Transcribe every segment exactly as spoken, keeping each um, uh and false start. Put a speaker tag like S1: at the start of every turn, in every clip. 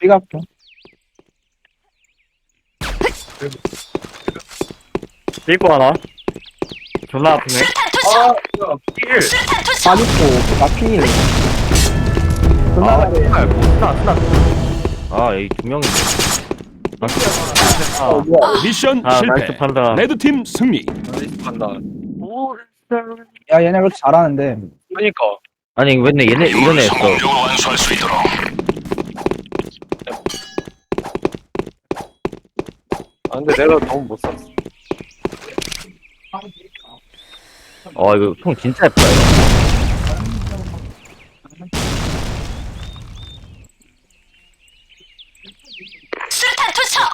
S1: 삐갑게.
S2: 삐고 하나. 존나 아프네.
S1: 아,
S2: 삐를.
S1: 빠졌고, 나 필. 존나
S2: 아,
S1: 잘해.
S2: 정말 스나 스나. 아, 이 두 명인데. 아,
S1: 어,
S2: 아,
S1: 뭐야.
S3: 미션
S2: 아,
S3: 실패.
S2: 나이스 판단.
S3: 레드팀 승리.
S4: 나이스 판단.
S1: 야, 얘네 그렇게 잘하는데.
S4: 그러니까
S2: 아니, 왠데 얘네 이런 애 했어.
S4: 아 근데 내가 너무 못 쐈어.
S2: 어, 이거 총 진짜 예쁘다, 이거.
S5: 수류탄 투척!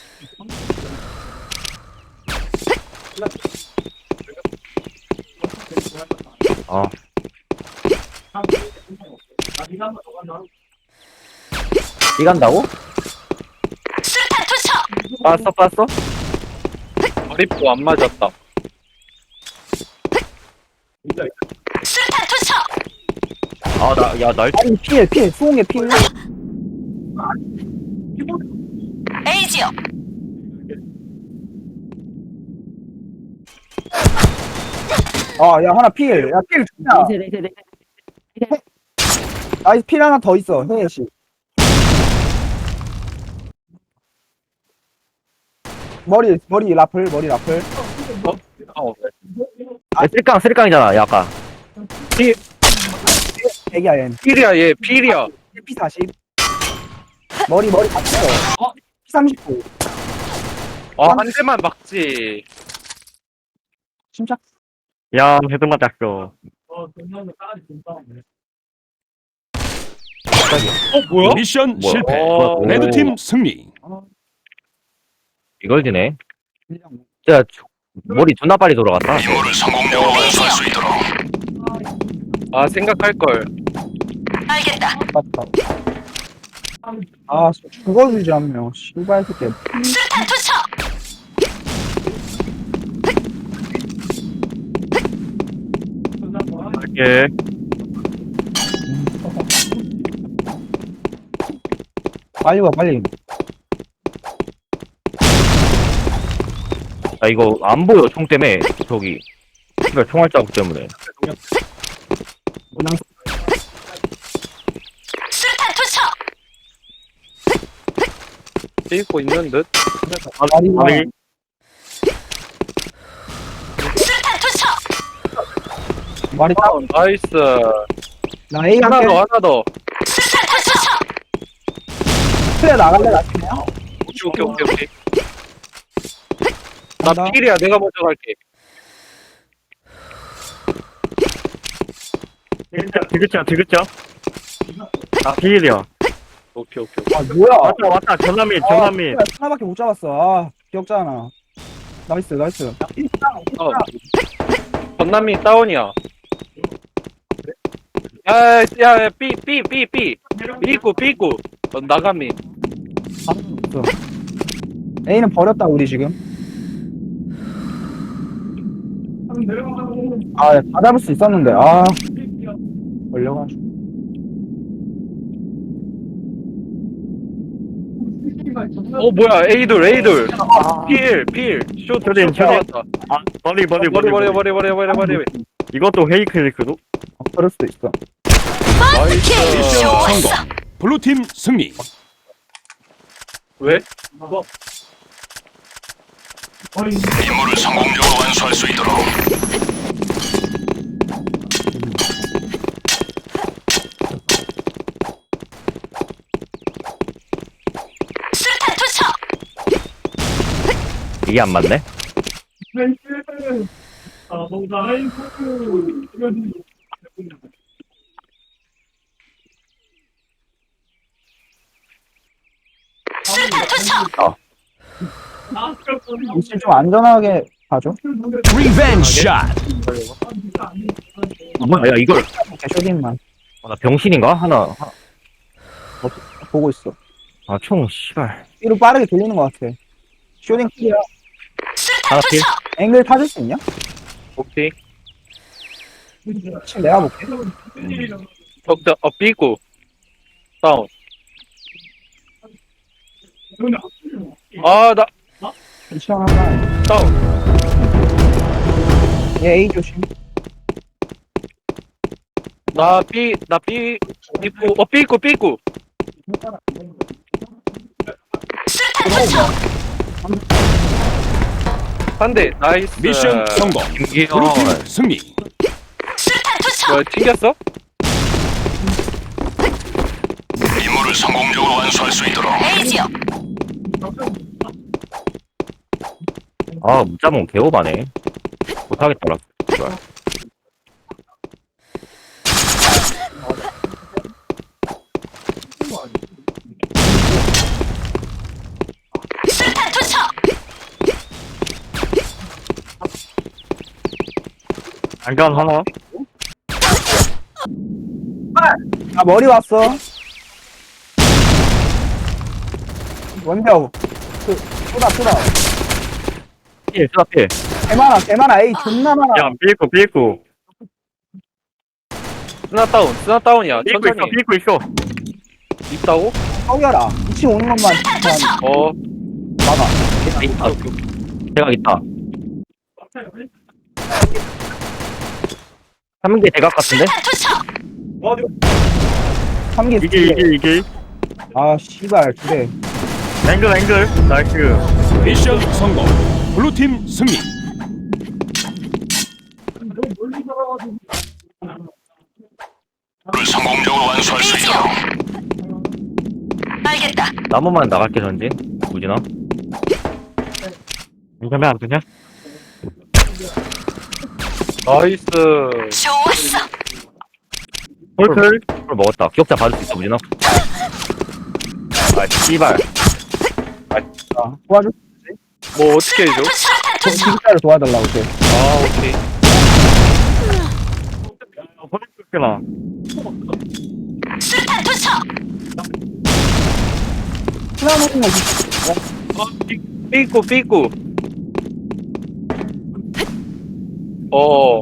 S2: 어. 이 간다고?
S5: 수류탄 투척!
S2: 빠았어, 빠았어?
S4: 머리포 안 맞았다.
S5: 수류탄 투척!
S2: 아, 나, 야, 날,
S1: 아니, 필, 필. 수홍의 필.
S5: 에이지요!
S1: 아, 야, 하나 필. 야, 필 좋냐. 나이스, 필 하나 더 있어, 혜혜씨. 머리, 머리 라플, 머리 라플.
S4: 어,
S2: 아, 쓰리깡, 쓰리깡이잖아, 야, 아까.
S1: 애기야, 얘.
S4: 필이야 얘 필이야.
S1: 피 사십. 머리, 머리 다 쳤어. 피 삼십구.
S4: 아한 대만 막지.
S1: 침착.
S2: 야, 헤드 맞았어.
S4: 어 뭐야?
S3: 미션
S2: 뭐야?
S3: 실패.
S4: 어,
S3: 레드팀 승리.
S2: 이걸 지네.
S1: 그냥
S2: 야, 머리 존나 빨리 돌아갔다.
S4: 아 생각할 걸.
S5: 알겠다.
S1: 맞다. 아, 그거 주지 않네요. 씨발 새끼.
S5: 수류탄 투척!
S2: 예.
S1: 빨리 와, 빨리.
S2: 아, 이거 안 보여, 총 때문에. 저기. 씨발, 총알 자국 때문에.
S5: 수류탄 투척!
S4: 삐고 있는 듯.
S2: 아,
S1: 다리가
S2: 아니,
S5: 수류탄 투척!
S1: 말이 딱.
S4: 어, 나이스.
S1: 나 A
S4: 하나
S1: 할게.
S4: 더 하나 더.
S5: 수류탄 투척!
S1: 그래 나갈래 나중에요?
S4: 오케이 오케이 오케이 오케이. 나
S1: 간다.
S4: 필이야 내가 먼저 갈게.
S2: 디귿자, 디귿자. 아, 비일이야.
S4: 오케이 오케이 오케이.
S1: 아 뭐야?
S2: 왔다, 왔다. 전남민, 전남민.
S1: 아, 하나밖에 못 잡았어. 아 기억잖아. 나이스 나이스.
S4: 어. 전남이 다운이야. 야, 야, 야, 삐, 삐, 삐, 삐. 삐고, 삐고. 어, 나가미.
S1: 없어. A는 버렸다 우리 지금. 아, 다 잡을 수 있었는데 아 걸려가지고.
S4: 어, 뭐야, A돌, A돌. 필, 필. 쇼,
S2: 쇼딘,
S4: 쇼
S2: 쇼딘.
S4: 나왔다.
S2: 아, 머리, 머리,
S4: 머리,
S2: 머리,
S4: 머리, 머리, 머리, 머리, 머리.
S2: 이것도 헤이크 힐크도?
S1: 어, 그럴 수도 있어.
S5: 킬!
S4: 나이스.
S5: 좋았어!
S3: 블루팀 승리.
S4: 왜?
S5: 수류탄 투척!
S2: 이게 안 맞네?
S5: 수류탄 투척!
S1: 이제 좀 안전하게 가죠.
S3: 리벤지 샷.
S2: 아, 뭐야, 야, 이걸.
S1: 쇼딩만
S2: 아, 나 병신인가? 하나. 하나.
S1: 보고 있어.
S2: 아, 총, 씨발.
S1: 뒤로 빠르게 돌리는 것 같아. 쇼딩 클리어.
S5: 수류탄
S2: 하나 필?
S5: 투척!
S1: 앵글 타줄 수 있냐?
S4: 오케이.
S1: 지금 내가 볼게.
S4: 어, 어, 삐고. 다운. 아, 나,
S1: 시원하다.
S4: 다운.
S1: 얘 A 조심.
S4: 나 B, 나 B, 입구, 어, B 입구, B 입구.
S5: 수류탄 투척.
S4: 한 대, 나이스.
S3: 미션 성공.
S2: 김기현.
S3: 블루팀 승리.
S5: 수류탄 투척.
S4: 뭐야, 튕겼어?
S6: 임무를 성공적으로 완수할 수 있도록
S5: A 지역.
S2: 아, 문자몽 개오바네. 못하겠더라. 씨발.
S5: 수류탄 투척.
S2: 안전 하나?
S1: 아, 머리 왔어. 원벽. 그, 쏘다, 쏘다.
S2: 필, 쏘다 필.
S1: 개 많아, 개 많아. 에이, 존나 많아.
S2: 야, 삐있고, 삐있고.
S4: 스나 다운, 스나 다운이야.
S2: 삐있고 있어,
S4: 천천히.
S2: 삐있고 있어.
S4: 있다고?
S1: 썩여라. 이 층 오는 것만
S5: 수류탄
S1: 그냥
S5: 투척.
S4: 어,
S1: 막아.
S2: 있다. 대각 있다. 삼 개 대각 같은데?
S5: 수류탄 투척.
S1: 삼 개.
S2: 이게, 이게, 이게.
S1: 아, 씨발, 두 개.
S2: 앵글, 앵글. 나이스.
S3: 미션 성공. 블루팀 승리.
S6: 임무를 성공적으로 완수할 수
S5: A
S6: 있도록
S5: 지역. 알겠다.
S2: 나무만 나갈게, 전진. 우진아. 이거면 안 되냐?
S4: 나이스.
S5: 좋았어.
S2: 홀클. 홀 먹었다. 기억자 받을 수 있어, 우진아. 아, 씨발.
S1: 아, 도와줘.
S4: 뭐, 어떻게 해줘?
S5: 수류탄 투척.
S1: 진짜를 도와달라고, 쟤.
S4: 아, 오케이.
S2: 홀클나.
S5: 수류탄 투척.
S1: 하나 놓은 거.
S4: 어, B, B 입구, B 입구. 어.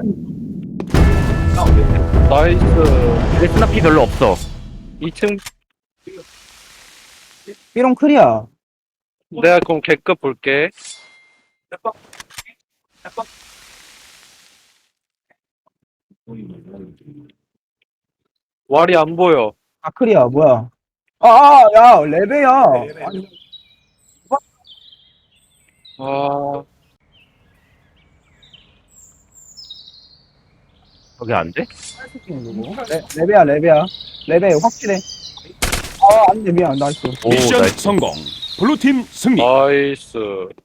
S4: 나이스.
S2: 레스나 피 별로 없어.
S4: 이 층,
S1: 삐롱 클리어.
S4: 내가 그럼 개급 볼게. 왈이 안 보여.
S1: 아, 클리어, 뭐야. 아, 아, 야, 레베야. 아니,
S4: 아,
S2: 저게 안 돼?
S1: 레, 레베야, 레베야. 레베, 확실해. 아, 안 돼, 미안, 나이스.
S2: 오,
S3: 미션
S2: 나이스.
S3: 성공. 블루팀 승리.
S4: 나이스.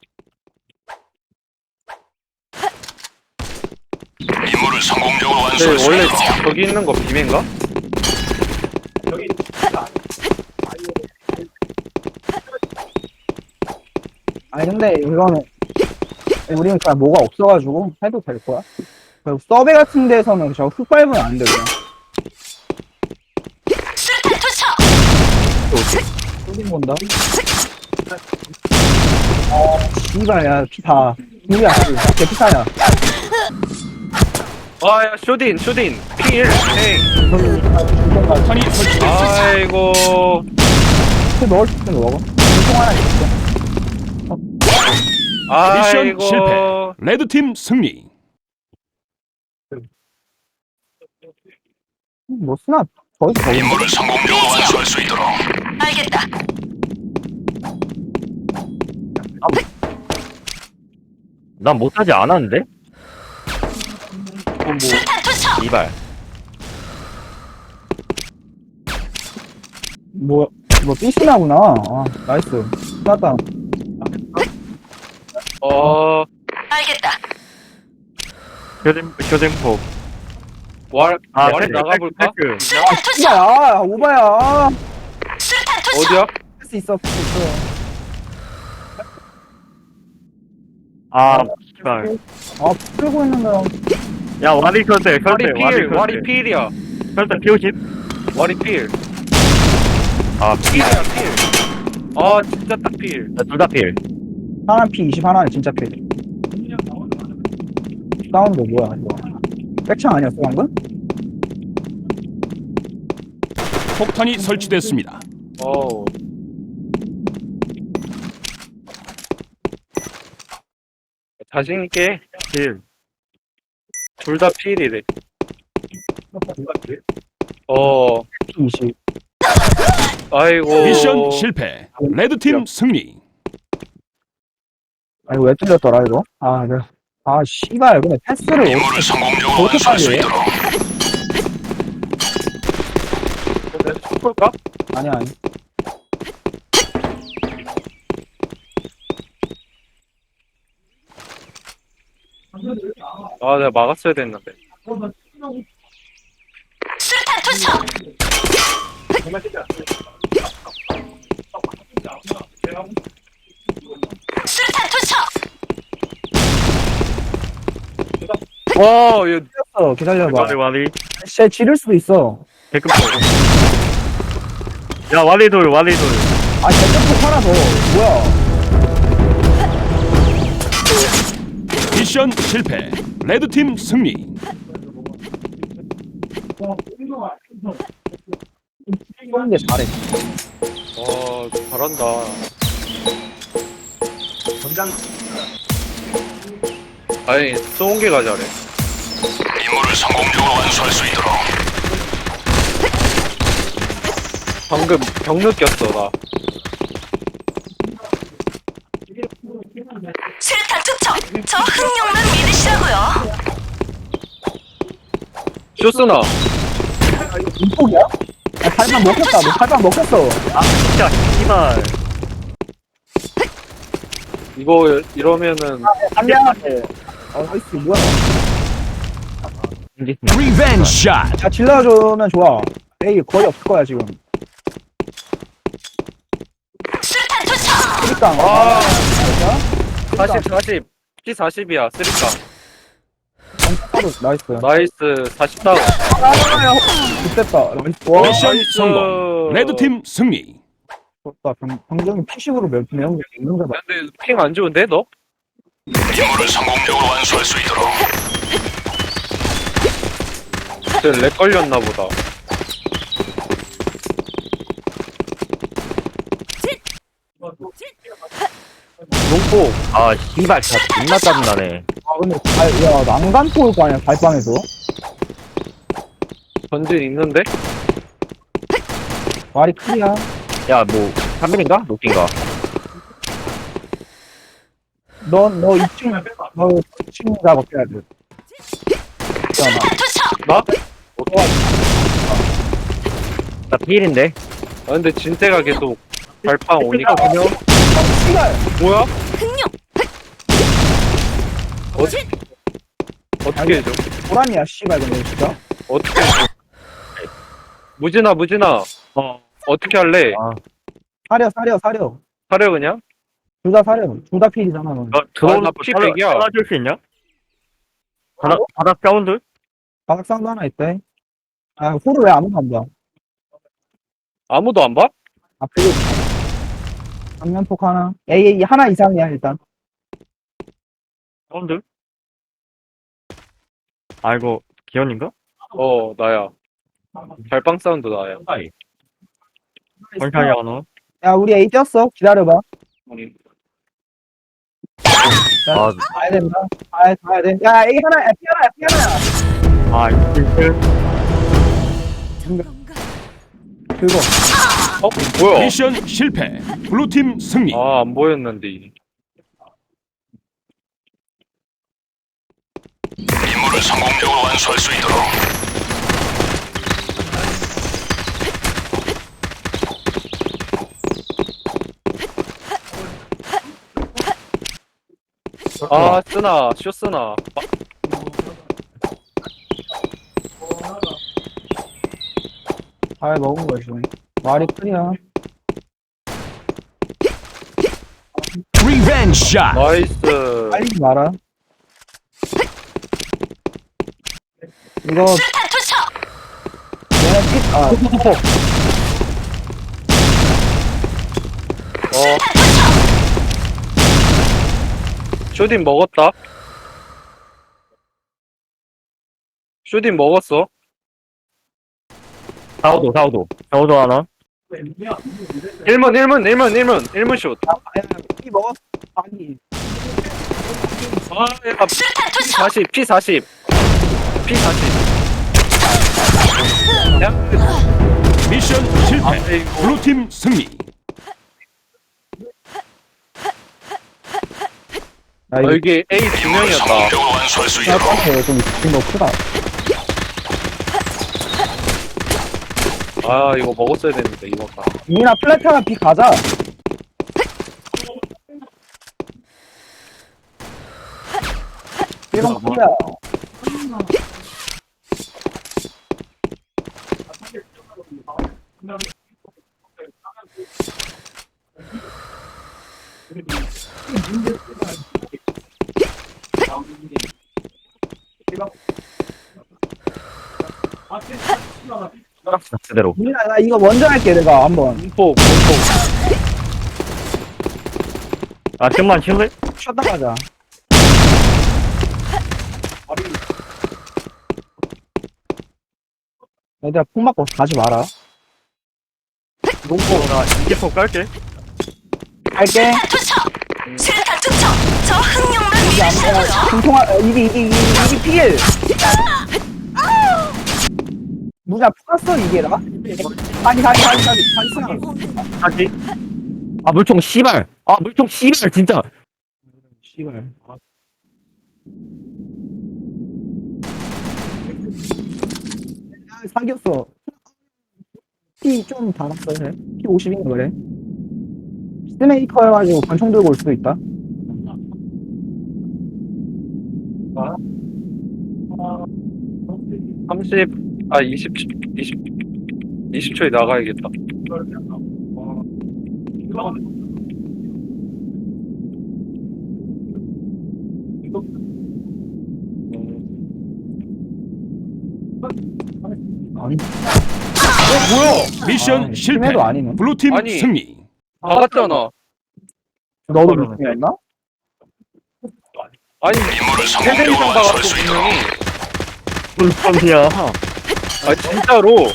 S6: 임무를 성공적으로
S4: 근데
S6: 완수할 수
S4: 원래
S6: 있도록
S4: 저기 있는 거 비매인가?
S1: 아니, 근데 이거는, 우리는 그냥 뭐가 없어가지고 해도 될 거야. 그리고 서베 같은 데서는 저 흙 밟으면 안 돼, 그냥.
S5: 수류탄 투척.
S1: 쏘긴 본다. 어, 씨발, 야, 피다. 누구야, 걔 피타야.
S4: 아, 야, 쇼딘, 쇼딘. 필, 헤이.
S3: 폭탄이 설치됐습니다.
S4: 아이고.
S1: 그 넣을 수 있으면 먹어. 통 하나 있어.
S3: 미션
S4: 아이고.
S3: 실패. 레드팀 승리.
S1: 뭐 쓰나? 거기서 거기.
S6: 임무를 성공적으로 완수할 수 있도록
S5: 알겠다.
S2: 난 못하지 않았는데?
S4: 뭐, 뭐.
S5: 수류탄 투척.
S2: 이발.
S1: 뭐, 뭐, 삐스나구나. 아, 나이스. 땄다.
S4: 어,
S5: 알겠다.
S2: 교den, 교den폭.
S4: 왈,
S2: 아,
S4: 왈 나가볼까?
S2: 그,
S5: 수류탄 투척.
S1: 야, 오바야.
S5: 수류탄 투척.
S4: 어디야?
S1: 할 수 있어, 할 수 있어.
S2: 아, 씨발.
S1: 아, 풀고 있는데.
S2: 야, 와리 설대, 설대,
S4: 왈이 필, 왈이 필이야.
S2: 설대 피오십.
S4: 왈이 필.
S2: 아,
S4: 필이야, 필. 아, 진짜 딱 필.
S2: 둘 다 필.
S1: 하나 피 이십, 하나는 진짜 피. 다운드 뭐야, 이거. 백창 아니었어, 방금?
S3: 폭탄이 설치됐습니다.
S4: 어우. 자신있게 딜. 둘 다 필이래. 어,
S1: 이십.
S4: 아이고.
S3: 미션 실패. 레드팀 승리.
S1: 아, 이거 왜 틀렸더라, 이거? 아, 네. 아, 씨발, 근데 패스를
S6: 임무를 성공적으로
S1: 어떻게
S6: 완수할 수
S1: 빨리 해?
S6: 있도록
S4: 볼까?
S1: 아니, 아니.
S4: 아, 내가 막았어야 됐는데.
S5: 수류탄 투척. 수류탄 투척.
S4: 와, 얘,
S1: 어, 기다려봐.
S2: 와리 와리
S1: 진짜 지를 수도 있어.
S2: 개급 야 와리돌 와리돌
S1: 아, 대표폭 하나 더. 뭐야.
S3: 미션 실패. 레드팀 승리.
S1: 쏘는데 잘해.
S4: 와, 잘한다. 아니, 쏘은 게가 잘해.
S6: 임무를 성공적으로 완수할 수 있도록
S4: 방금 병 느꼈어, 나.
S5: 수류탄 투척. 저 흥룡만 믿으시라고요.
S4: 쇼스나.
S1: 인폭이야? 야, 살방 먹혔다. 너 살방 먹혔어.
S2: 진짜 씨발
S4: 이거, 이러면은,
S1: 한량한테. 어, 나이스, 뭐야.
S3: 리벤지 샷.
S1: 야, 질러주면 좋아. 에이, 거의 없을 거야, 지금.
S5: 수류탄 투척.
S1: 그러니까.
S4: 아.
S1: 아,
S4: 사십, 사십. 피 사십이야, 쓰리까.
S1: 나이스.
S4: 나이스, 사십 다운.
S1: 아, 좋됐다. 나이스. 와,
S3: 미션
S4: 나이스.
S3: 성공. 레드팀 승리.
S1: 좋다. 병, 병정이 피식으로 몇 명, 있는 거다.
S4: 근데 핑 안 좋은데, 너?
S6: 임무를 성공적으로 완수할 수 있도록
S4: 쟤렉 걸렸나 보다.
S2: 농포 아 씨발 진짜 존나 짜증나네
S1: 아, 근데, 발, 야, 난간 포올 거 아니야, 발방에서.
S4: 전진 있는데?
S1: 말이 크리야.
S2: 야뭐 삼 밀인가? 녹인가?
S1: 넌, 너 이 층, 너 이 층 작업해야 돼. 있잖아.
S5: 투척.
S4: 나?
S2: 나 피일인데
S4: 아, 근데 진태가 계속 발판 오니까.
S1: 어, 씨발!
S4: 뭐야?
S5: 흥룡.
S4: 어떻게 해줘?
S1: 보란이야, 씨발, 근데 진짜.
S4: 어떻게 해줘? 무진아, 무진아.
S2: 어
S4: 어떻게 할래?
S2: 아.
S1: 사려, 사려, 사려.
S4: 하려 그냥?
S1: 둘 다 사려. 둘 다 필이잖아, 너.
S2: 너 들어오는
S4: 나
S2: 거
S4: 피백이야.
S2: 찾아줄 수 있냐? 바닥 바닥 사운드?
S1: 바닥상도 하나 있대. 아, 호를 왜 아무도 안 봐?
S4: 아무도 안 봐?
S1: 아, 그리고 정면폭 하나. 에이, 하나 이상이야, 일단.
S2: 사운드? 아이고 기현인가?
S4: 어, 나야. 발빵 사운드 나야.
S2: 원샷이 안 와.
S1: 야, 우리 A 뛰었어. 기다려봐.
S2: 아,
S1: 가야 된다. 가야, 가야 돼. 야, A 하나, F 하나, F 하나야.
S2: 아, 이틀.
S1: 그거.
S4: 어? 뭐야?
S3: 미션 실패. 블루팀 승리.
S4: 아, 안 보였는데.
S6: 임무를 성공적으로 완수할 수 있도록
S4: 아, 쓰나, 쇼 쓰나.
S1: 잘 먹은 거지. 말이 크리야.
S3: 리벤지 샷.
S4: 나이스.
S1: 빨리지 마라. 이거,
S5: 수류탄 투척.
S1: 얘네 픽, 아,
S4: 어. 쇼딘 먹었다. 쇼딘 먹었어.
S2: 사오도, 사오도. 사오도 하나.
S4: 일문, 일문, 일문, 일문, 일문 슛.
S1: 아, 야, 피 먹었어. 아니.
S4: 아, 야,
S5: 수류탄
S4: 피
S5: 투척.
S4: 사십, 피 사십. 피 사십. 야,
S3: 미션 실패.
S4: 아이고.
S3: 블루팀 승리.
S1: 야,
S4: 어,
S1: 이거
S4: 이게 A 두
S6: 임무를
S4: 명이었다.
S6: 성공적으로 완수할 수 있도록
S1: 짤한테 좀 지금 너 크다.
S4: 아, 이거 먹었어야 되는데, 이거 가.
S1: 이나 플래타나 비 가자. 일번 클리어.
S2: 그대로.
S1: 이나 나 이거 먼저 할게 내가 한번.
S4: 공포, 공포.
S2: 아, 좀만 쉴래?
S1: 쉬었다 가자. 얘들아 폭 맞고 가지 마라.
S2: 농포, 나 이제 폭 깔게.
S1: 갈게.
S5: 수류탄 투척. 수류탄 투척. 저 흥룡만
S1: 이게 안 돼.
S5: 믿으시라고요.
S1: 중통화 어, 이게 이게 이게 이게 필. 무자 풀었어 이게라? 아니 아니 아니 아니 아니
S2: 하지? 아, 물총, 씨발. 아, 물총, 씨발, 진짜.
S1: 씨발. 아, 사귀었어. 피 좀 달았어, 그래. 피 오십인가 그래. 스메이커여가지고 권총 들고 올 수도 있다.
S4: 삼십, 아, 이십, 이십, 이십 초에 나가야겠다.
S1: 아니,
S3: 미션
S1: 아,
S3: 실패.
S1: 심해도 아니네.
S3: 블루팀
S4: 아니.
S3: 승리.
S4: 나갔잖아.
S1: 너도 물통이었나?
S4: 아니,
S6: 임무를
S4: 세대 이상
S6: 성공적으로 완수할
S4: 박았어,
S6: 수 있도록
S4: 분명히.
S2: 물총이야.
S4: 아, 진짜로.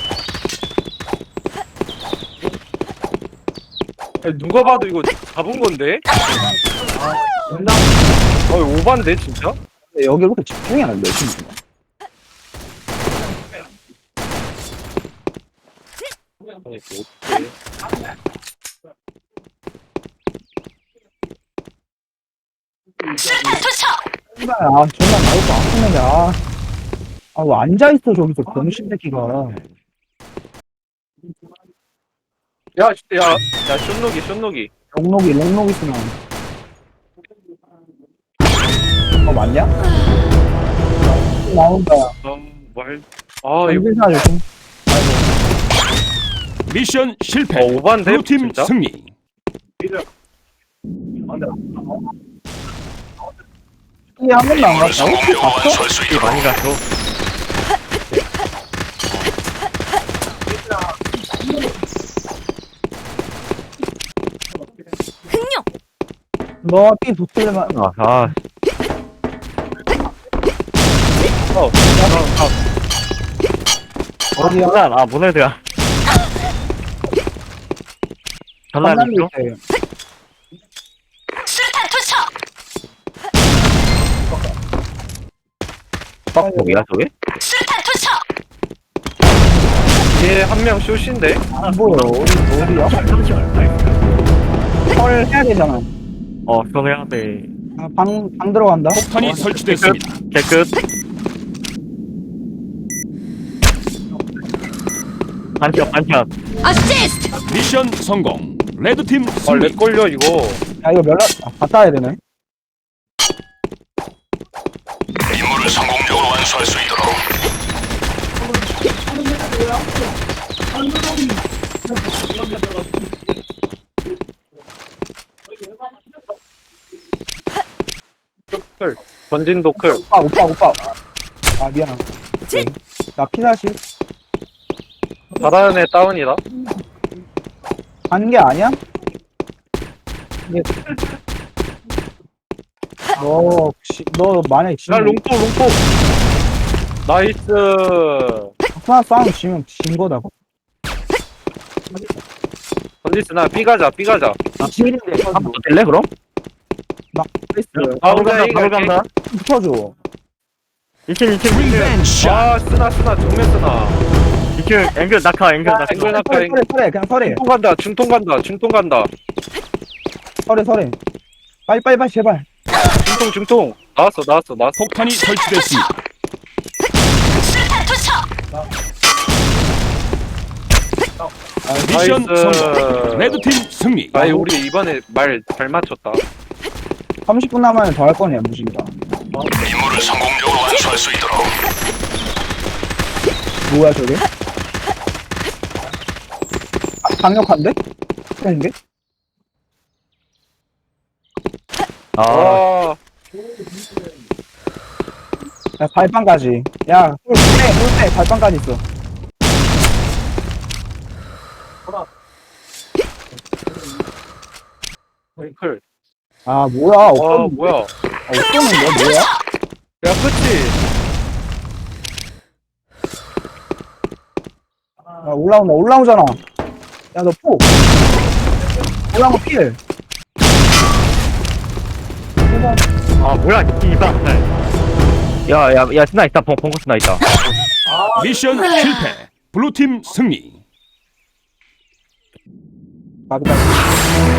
S4: 아니, 누가 봐도 이거 잡은 건데? 아, 오반데, 진짜?
S1: 근데 여기 왜 이렇게 집중이 안 돼, 지금.
S4: 아니, 이거 어떡해.
S5: 수류탄 투척.
S1: 씨발, 아, 존나 나올 거 아프는데, 아. 아, 왜 앉아있어, 저기서, 병신 새끼가.
S4: 야, 야, 야, 숏록이, 숏록이.
S1: 롱록이, 롱록 있으면. 어, 맞냐? 나온다.
S4: 아, 말. 아, 이거.
S1: 연필사 조심.
S3: 미션 실패.
S4: 어, 오반데?
S3: 블루팀
S4: 진짜?
S3: 승리.
S1: 이게 한 번도 안
S6: 임무를
S1: 갔다고?
S6: 성공적으로 완수할 수 있도록
S2: 많이 갔어.
S5: 흥룡.
S1: 너가 삐 붙으려면,
S2: 아, 아,
S4: 어, 어,
S1: 어디야?
S2: 문안, 아, 문해드야. 전날
S1: 전남이
S2: 있죠?
S1: 있어요.
S5: 수류탄 투척.
S2: 빡폭이야, 저게?
S5: 수류탄 투척.
S4: 얘 한 명 숏인데?
S1: 안 보여. 어디, 어디야? 헐 해야 되잖아.
S2: 어, 그래야 돼.
S1: 아, 방, 방 들어간다.
S3: 폭탄이 설치됐습니다.
S2: 깨끗. 반샷, 반샷.
S5: 어시스트.
S3: 미션 성공. 레드팀
S4: 아,
S3: 승리.
S4: 렉 걸려, 이거.
S1: 야, 이거 연락, 아, 갔다 와야 되네.
S6: 임무를 성공적으로 완수할 수 있도록
S4: 클. 전진도 클.
S1: 오빠, 오빠, 오빠. 아, 미안. 나 피사시.
S4: 잘하는 애 다운이다.
S1: 가는 게 아니야? 이게. 너, 혹시, 너 만약에
S4: 야,
S1: 지면,
S4: 롱포, 롱포. 나이스.
S1: 하나 싸움 지면 진 거다고.
S4: 전지스, 나 삐가자, 삐가자.
S2: 아, 시민인데, 한번 뛸래, 그럼?
S1: 나이스.
S4: 아, 혼자 이거
S2: 간다.
S1: 붙여줘.
S2: 이층, 이층, 이층.
S3: 리벤지 샷.
S4: 아, 쓰나, 쓰나, 정면 쓰나.
S2: 이층, 앵글 낙하, 앵글 낙하.
S4: 앵글 낙하.
S1: 서래, 서래, 서래, 그냥 서래.
S4: 중통 간다, 중통 간다, 중통 간다.
S1: 서래, 서래. 빨리, 빨리, 빨리, 제발.
S4: 중통, 중통. 나왔어, 나왔어, 나왔어.
S3: 폭탄이 설치됐습니다.
S5: 수류탄 투척.
S3: 미션
S4: 나이스.
S3: 성공. 레드팀 승리.
S4: 아이, 우리 이번에 말 잘 맞췄다.
S1: 삼십 분 남으면 더 할 거네, 무신가.
S6: 임무를 성공적으로 완수할 수 있도록
S1: 뭐야, 저게? 아, 강력한데? 그런데?
S2: 아,
S4: 아,
S1: 야, 발빵까지. 야, 꿀, 꿀, 꿀, 발빵까지 있어.
S4: 앵클.
S1: 아, 뭐야,
S4: 와,
S1: 없었는데?
S4: 뭐야.
S1: 아, 없었는데, 뭐야?
S4: 야, 그치?
S1: 야, 올라온다, 올라오잖아. 야, 너 포. 올라온 거 필.
S2: 아, 뭐야, 이발. 야, 야, 야, 스나 있다. 벙, 벙커 스나 있다.
S3: 미션 실패. 블루팀 승리.
S1: 가비다.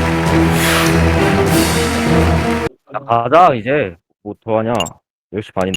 S2: 나 가자, 이제. 뭐, 더하냐. 열 시 반인데.